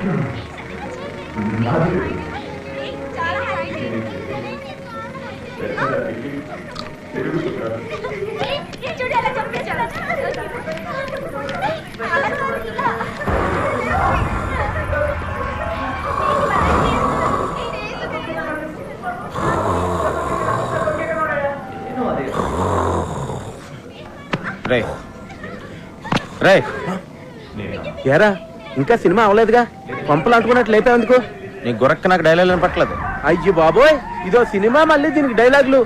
ఎరా ఇంకా సినిమా అవలేదుగా, పంపులు అంటుకున్నట్టు లేపేందుకు? నీ గురక్క నాకు డైలాగ్ వినపట్లేదు. అయ్యి బాబోయ్, ఇదో సినిమా, మళ్ళీ దీనికి డైలాగులు.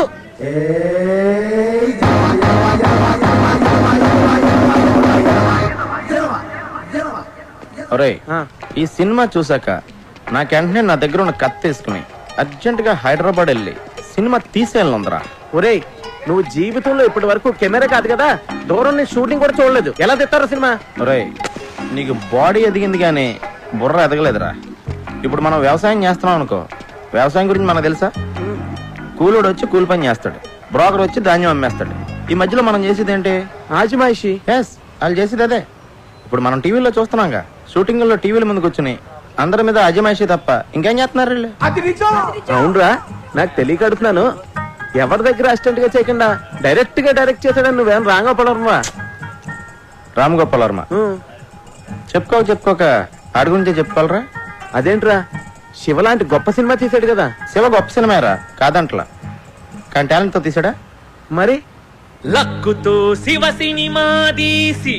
ఈ సినిమా చూసాక నాకు వెంటనే నా దగ్గర ఉన్న కత్తి తీసుకుని అర్జెంట్ గా హైదరాబాద్ వెళ్ళి సినిమా తీసేయాలందరా. ఒరేయ్, నువ్వు జీవితంలో ఇప్పటి వరకు కెమెరా కాదు కదా, దూరం నుంచి షూటింగ్ కూడా చూడలేదు, ఎలా తెస్తారో సినిమా? ఒరేయ్, నీకు బాడీ ఎదిగింది కానీ బుర్ర ఎదగలేదురా. ఇప్పుడు మనం వ్యవసాయం చేస్తున్నాం అనుకో, వ్యవసాయం గురించి మనకు తెలుసా? కూలోడు వచ్చి కూలి పని చేస్తాడు, బ్రోకర్ వచ్చి ధాన్యం అమ్మేస్తాడు. ఈ మధ్యలో మనం చేసేది ఏంటి? ఆజిమాయిషి. వాళ్ళు చేసేది అదే. ఇప్పుడు మనం టీవీలో చూస్తున్నాంగా, షూటింగ్ లో టీవీల ముందుకు వచ్చి అందరి మీద అజమాయిషి తప్ప ఇంకేం చేస్తున్నారు వీళ్ళు? అవునరా, నాకు తెలియక అడుగుతున్నాను. ఎవరి దగ్గర అసిస్టెంట్ గా చేయకుండా డైరెక్ట్ గా డైరెక్ట్ చేశాడని నువ్వేం రాంగోపాలవర్మ? రామగోపాలవర్మ చెప్పుకోక ఆడి గురించే చెప్పుకోవాలరా. అదేంట్రా, శివ లాంటి గొప్ప సినిమా తీసాడు కదా. శివ గొప్ప సినిమారా కాదంట్లా, కానీ టాలెంట్ తో తీసాడా. మరి లక్కుతో శివ సినిమా తీసి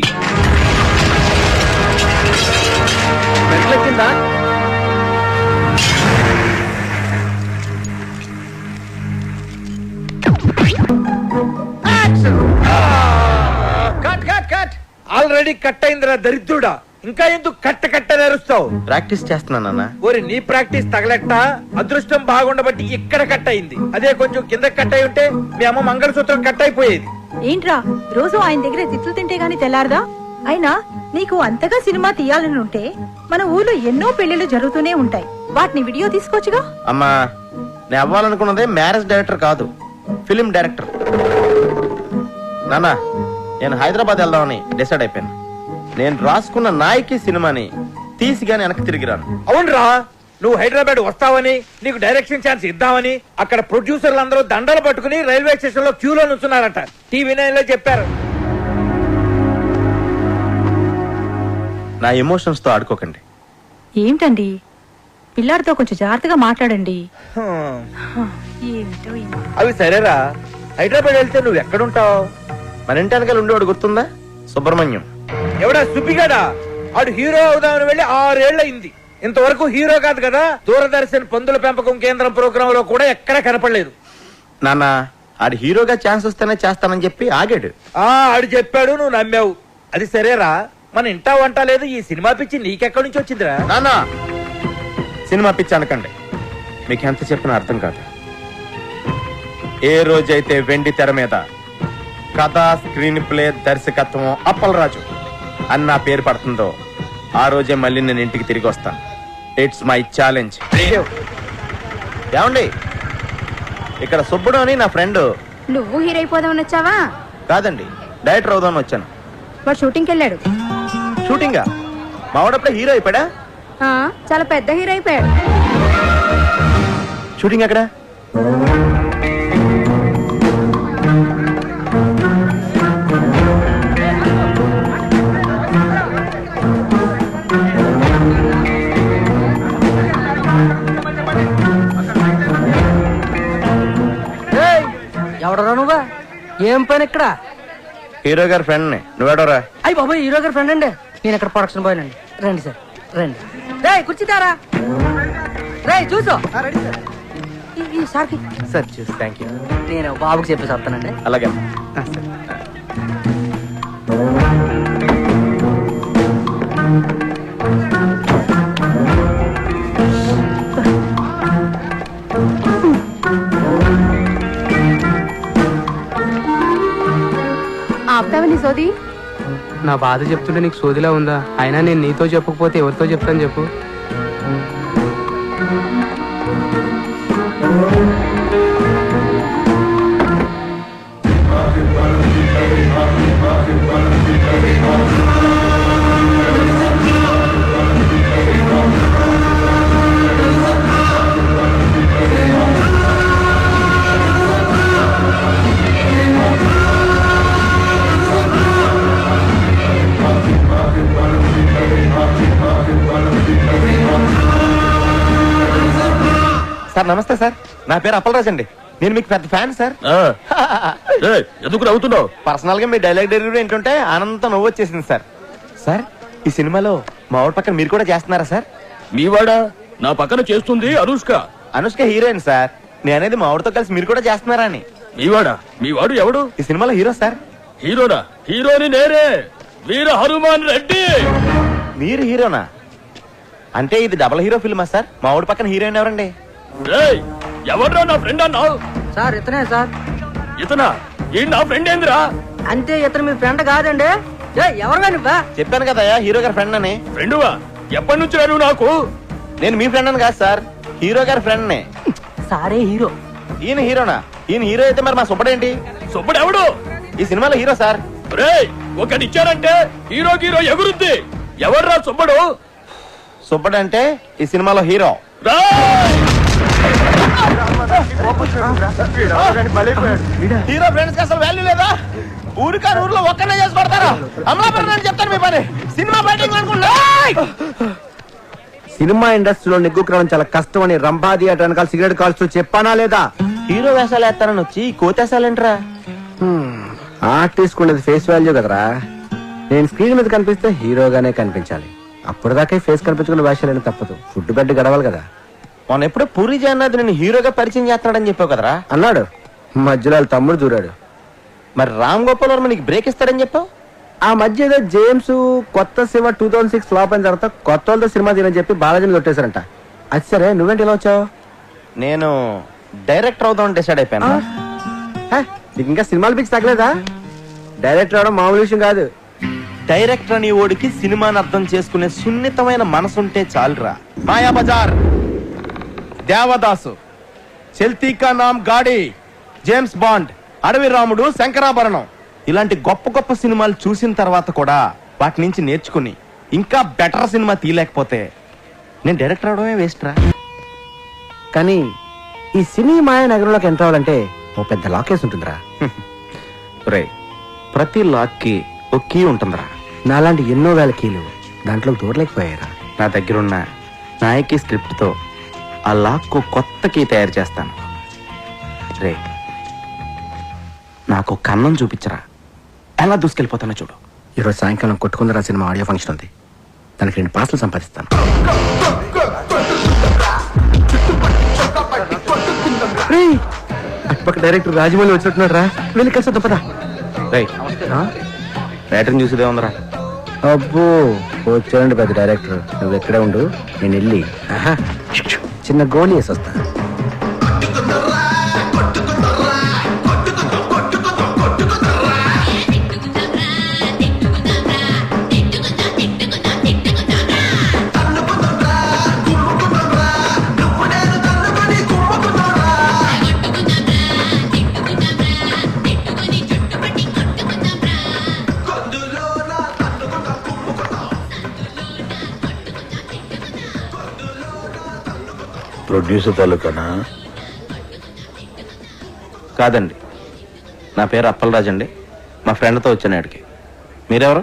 కింద ఆల్రెడీ కట్ అయిందిరా దరిద్రుడా, ఇంకా ఎందుకు కట్ట నేరుస్తావు? ప్రాక్టీస్ చేస్తున్నానన్నా. ఓరి నీ ప్రాక్టీస్ తగలెట్ట, అదృష్టం బాగుండబట్టి ఇక్కడ కట్ అయింది. అదే కొంచెం కింద కట్ అయి ఉంటే మీ అమ్మ మంగళసూత్రం కట్ అయిపోయేది. ఏంట్రా రోజు ఆయన దగ్గర తిట్లు తింటే గాని తెల్లారదా? అయినా నీకు అంతగా సినిమా తీయాలని ఉంటే మన ఊర్లో ఎన్నో పెళ్లిళ్ళు జరుగుతూనే ఉంటాయి, వాటిని వీడియో తీసుకోవచ్చుగా. అమ్మా, నేను అవ్వాలనుకున్నదే మ్యారేజ్ డైరెక్టర్ కాదు, ఫిలిం డైరెక్టర్. నాన్న, నేను హైదరాబాద్ వెళ్దామని డిసైడ్ అయిపోయాను. నేను రాసుకున్న నాయకి సినిమాని తీసి గాని వెనక్కి తిరిగిరాను. అవునరా, నువ్వు హైదరాబాద్ వస్తావని, నీకు డైరెక్షన్ ఛాన్స్ ఇద్దామని అక్కడ ప్రొడ్యూసర్లు అందరూ దండలు పట్టుకుని రైల్వే స్టేషన్ లో క్యూలో నుంచున్నారట. టీవీ నైన్ లో చెప్పారు. నా ఎమోషన్స్ తో ఆడుకోకండి. ఏంటండి, పిల్లాడితో కొంచెం జాగ్రత్తగా మాట్లాడండి. అవి సరేరా, హైదరాబాద్ వెళ్తే నువ్వు ఎక్కడుంటావు? మన ఇంటి వెనకాల ఉండేవాడు గుర్తుందా? సుబ్రహ్మణ్యం. ఎవడా సుబ్బిగాడా? ఆడు హీరో అవుదామని వెళ్ళి 6 ఏళ్లయింది, ఇంతవరకు హీరో కాదు కదా. దూరదర్శన్ పందుల పెంపకం కేంద్రం ప్రోగ్రామ్ లో కూడా ఎక్కడా కనపడలేదు. నాన్న, ఆడు హీరోగా ఛాన్స్ వస్తేనే చేస్తానని చెప్పి ఆగాడు. ఆడు చెప్పాడు, నువ్వు నమ్మావు. అది సరేరా, మన ఇంటా వంట లేదు, ఈ సినిమా పిచ్చి నీకెక్కడి నుంచి వచ్చిందిరా? నాన్న, సినిమా పిచ్చి అనకండి, మీకు ఎంత చెప్పినా అర్థం కాదు. ఏ రోజైతే వెండి తెర మీద కథ, స్క్రీన్ ప్లే, దర్శకత్వం అప్పలరాజు అని నా పేరు పడుతుందో ఆ రోజే మళ్ళీ నేను ఇంటికి తిరిగి వస్తాను. It's my challenge. ఏమండి, ఇక్కడ సుబ్బుడు అని నా ఫ్రెండ్. నువ్వు హీరో అయిపోదామని వచ్చావా? కాదండి, డైరెక్టర్ అవుదామని వచ్చాను. వాడు షూటింగ్కి వెళ్ళాడు. షూటింగా? మావాడప్పుడే హీరో అయిపోయాడా? చాలా పెద్ద హీరో అయిపోయాడు. షూటింగ్ ఎక్కడ? ఎవడరా నువ్వా? ఏం పని ఇక్కడ? హీరో గారి ఫ్రెండ్ ని. నువ్వేడోరా? అయ్యి బాబోయ్, హీరో గారి ఫ్రెండ్ అండి. నేను ఇక్కడ ప్రొడక్షన్ బాయ్ అండి. రండి సార్, రండి. రే కూర్చుంటారా? రే చూసో సార్కి. సార్ చూసి థ్యాంక్ యూ. నేను బాబుకి చెప్పేసి వస్తానండి. అలాగే. ఆపుతావని సోది? నా బాధ చెప్తుంటే నీకు సోదిలా ఉందా? అయినా నేను నీతో చెప్పకపోతే ఎవరితో చెప్తాను చెప్పు? సార్ నమస్తే సార్, నా పేరు అప్పలరాజ్ అండి. నేను మీకు పెద్ద ఫ్యాన్ సార్. ఎందుకు నవ్వుతున్నావు? పర్సనల్ గా మీ డైలాగ్ డెలివరీ ఏంటంటే ఆనందంతో నవ్వు వచ్చేసింది సార్. సార్ ఈ సినిమాలో మా ఊరి పక్కన మీరు కూడా చేస్తున్నారా సార్? మీవాడా నా పక్కన చేస్తుంది అనుష్క. Anushka heroine sir. నేనేది మా ఊరితో కలిసి మీరు కూడా చేస్తున్నారా అని. మీవాడు ఎవడు? ఈ సినిమాలో హీరో సార్. హీరోనా? హీరోని నేనే, వీర హనుమాన్ రెడ్డి. మీరు హీరోనా? అంటే ఇది డబుల్ హీరో ఫిల్మా సార్? మా ఊరి పక్కన హీరోయిన్ ఎవరండి? ఎవడ్రా నా ఫ్రెండ్ అన్నావు? సార్ ఇతనే సార్. ఇతనా? ఈ నా ఫ్రెండ్ ఏందిరా? అంతే, ఇతను మీ ఫ్రెండ్ కాదండి. ఎవరుగా నువ్వా? చెప్పాను కదా హీరో గారి ఫ్రెండ్ అని. ఫ్రెండువా? ఎప్పటి నుంచి నువ్వు నాకు? నేను మీ ఫ్రెండ్ అని కాదు సార్, హీరో గారి ఫ్రెండ్ నే. సారే హీరో. ఈయన హీరోనా? ఈయన హీరో అయితే మరి మా సుబ్బడేంటి? సుబ్బడు ఎవడు? ఈ సినిమాలో హీరో సార్. ఒకటిచ్చారంటే హీరో హీరో ఎగురుద్ది. ఎవర్రా సుబ్బడు? సుబ్బడు అంటే ఈ సినిమాలో హీరో. హీరో ఫ్రెండ్స్ కి అసలు వాల్యూ లేదా? ఊరికారు ఊర్లో ఒక్కనే చేసి పడతారా? అమలాపురం అని చెప్తాను మీ పని. సినిమా బయటింగ్ అనుకుంటా. సినిమా ఇండస్ట్రీలో నిగ్గుకరం చాలా కష్టం అని రంభా థియేటర్ వెనకాల సిగరెట్ కాల్స్తూ చెప్పానా లేదా? హీరో వేషాలు వేస్తానని వచ్చి కోతేసాలేంట్రా? ఆర్టిస్ట్ ఉండేది ఫేస్ వాల్యూ కదరా. నేను స్క్రీన్ మీద కనిపిస్తే హీరోగానే కనిపించాలి. అప్పటిదాకా ఫేస్ కనిపించుకున్న వేషాలని తప్పదు. ఫుడ్ బెడ్ గడవాలి కదా. మొన్న ఎప్పుడో పూరి జగన్నాథ్ నేను హీరోగా పరిచయం చేస్తున్నాడని చెప్పావు కదరా? అన్నాడు. మధ్యలో వాళ్ళ తమ్ముడు దూరాడు. మరి రామ్ గోపాల్ వర్మ నీకు బ్రేక్ ఇస్తాడని చెప్పావు. ఆ మధ్య ఏదో జేమ్స్ కొత్త సినిమా 2006 ఫ్లాప్ అయిన తర్వాత కొత్త వాళ్ళతో సినిమా తీయని చెప్పి బాలాజీని కొట్టేశారంట. అది సరే, నువ్వేంటి ఇలా వచ్చావు? నేను డైరెక్టర్ అవుదామని డిసైడ్ అయిపోయాను. నీకు ఇంకా సినిమాలు పిచ్చి తగ్గలేదా? డైరెక్టర్ అవడం మామూలు విషయం కాదు. డైరెక్టర్ అని ఓడికి సినిమాని అర్థం చేసుకునే సున్నితమైన మనసుంటే చాలురా. మాయా బజార్, దేవదాసు, చల్తీ కా నామ్ గాడి, జేమ్స్ బాండ్, అడవి రాముడు, శంకరాభరణం ఇలాంటి గొప్ప గొప్ప సినిమాలు చూసిన తర్వాత కూడా వాటి నుంచి నేర్చుకుని ఇంకా బెటర్ సినిమా తీయలేకపోతే నేను డైరెక్టర్ అవడమే వేస్ట్ రా. కానీ ఈ సినీ మాయ నగరంలోకి ఎంటర్ అవ్వాలంటే ఓ పెద్ద లాకేస్ ఉంటుందిరా. రే, ప్రతి లాక్ కి ఒక కీ ఉంటుందిరా. నాలాంటి ఎన్నో వేల కీలు దాంట్లోకి దూరలేకపోయారా. నా దగ్గరున్న నాయకి స్క్రిప్ట్ తో ఆ లాక్ కు కొత్త కీ తయారు చేస్తాను. రే, నాకు కన్నం చూపించరా, ఎలా దూసుకెళ్ళిపోతానో చూడు. ఈరోజు సాయంకాలం కొట్టుకుందరా సినిమా ఆడియో ఫంక్షన్ ఉంది. దానికి 2 పాసలు సంపాదిస్తాను. అటుపక్క డైరెక్టర్ రాజమౌళి వచ్చినట్టున్నాడు రా. వెళ్ళి కలిసి పదా. రైటర్ని చూసేదే ఉందరా. అబ్బో, వచ్చాడండి పెద్ద డైరెక్టర్. నువ్వు ఎక్కడే ఉండు, నేను వెళ్ళి చిన్న గోళీ వేసి వస్తా. ప్రొడ్యూసర్ తాలూకానా? కాదండి, నా పేరు అప్పలరాజ్ అండి. మా ఫ్రెండ్తో వచ్చాను ఇక్కడికి. మీరెవరు?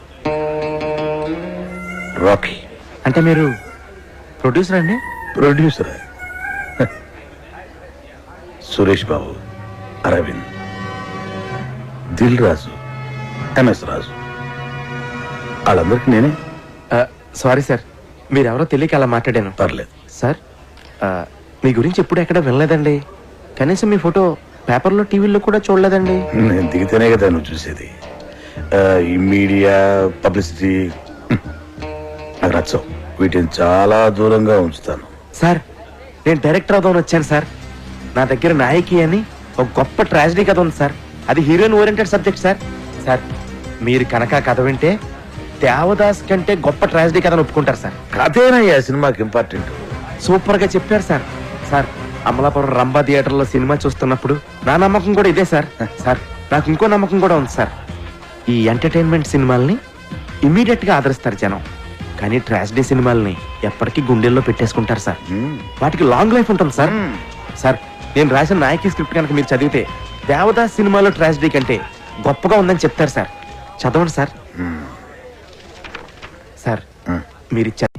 రాకీ. అంటే మీరు ప్రొడ్యూసర్ అండి? Producer Suresh Babu, Aravind, Dil Raju, M S, వాళ్ళందరికీ నేనే. సారీ సార్, మీరెవరో తెలియక అలా మాట్లాడాను. పర్లేదు సార్, మీ గురించి ఎప్పుడు ఎక్కడ వినలేదండి. కనీసం మీ ఫోటో పేపర్లో టీవీలో కూడా చూడలేదండి. నేను దిగితేనే కదా నువ్వు చూసేది. ఈ మీడియా పబ్లిసిటీ నాకు నచ్చవు. వీటిని చాలా దూరంగా ఉంచుతాను. సార్, నేను డైరెక్టర్ అవుదామని వచ్చాను సార్. నా దగ్గర నాయకి అని ఒక గొప్ప ట్రాజడీ కథ ఉంది సార్. అది heroine oriented subject sir. Sir, మీరు కనుక కథ వింటే దేవదాస్ కంటే గొప్ప ట్రాజడీ కథను ఒప్పుకుంటారు సార్. కథేనయ్యా సినిమాకి ఇంపార్టెంట్. సూపర్ గా చెప్పారు sir. Sir, Amalapuram Rambha theatre లో సినిమా చూస్తున్నప్పుడు నా నమ్మకం కూడా ఇదే సార్. సార్, నాకు ఇంకో నమ్మకం కూడా ఉంది సార్. ఈ ఎంటర్టైన్మెంట్ సినిమాల్ని ఇమీడియట్ గా ఆదరిస్తారు జనం, కానీ ట్రాజడీ సినిమాల్ని ఎప్పటికీ గుండెల్లో పెట్టేసుకుంటారు సార్. వాటికి లాంగ్ లైఫ్ ఉంటుంది సార్. సార్, నేను రాసిన నాయకి స్క్రిప్ట్ కనుక మీరు చదివితే దేవదాస్ సినిమాలో ట్రాజడీ కంటే గొప్పగా ఉందని చెప్తారు సార్. చదవండి సార్. సార్, మీరు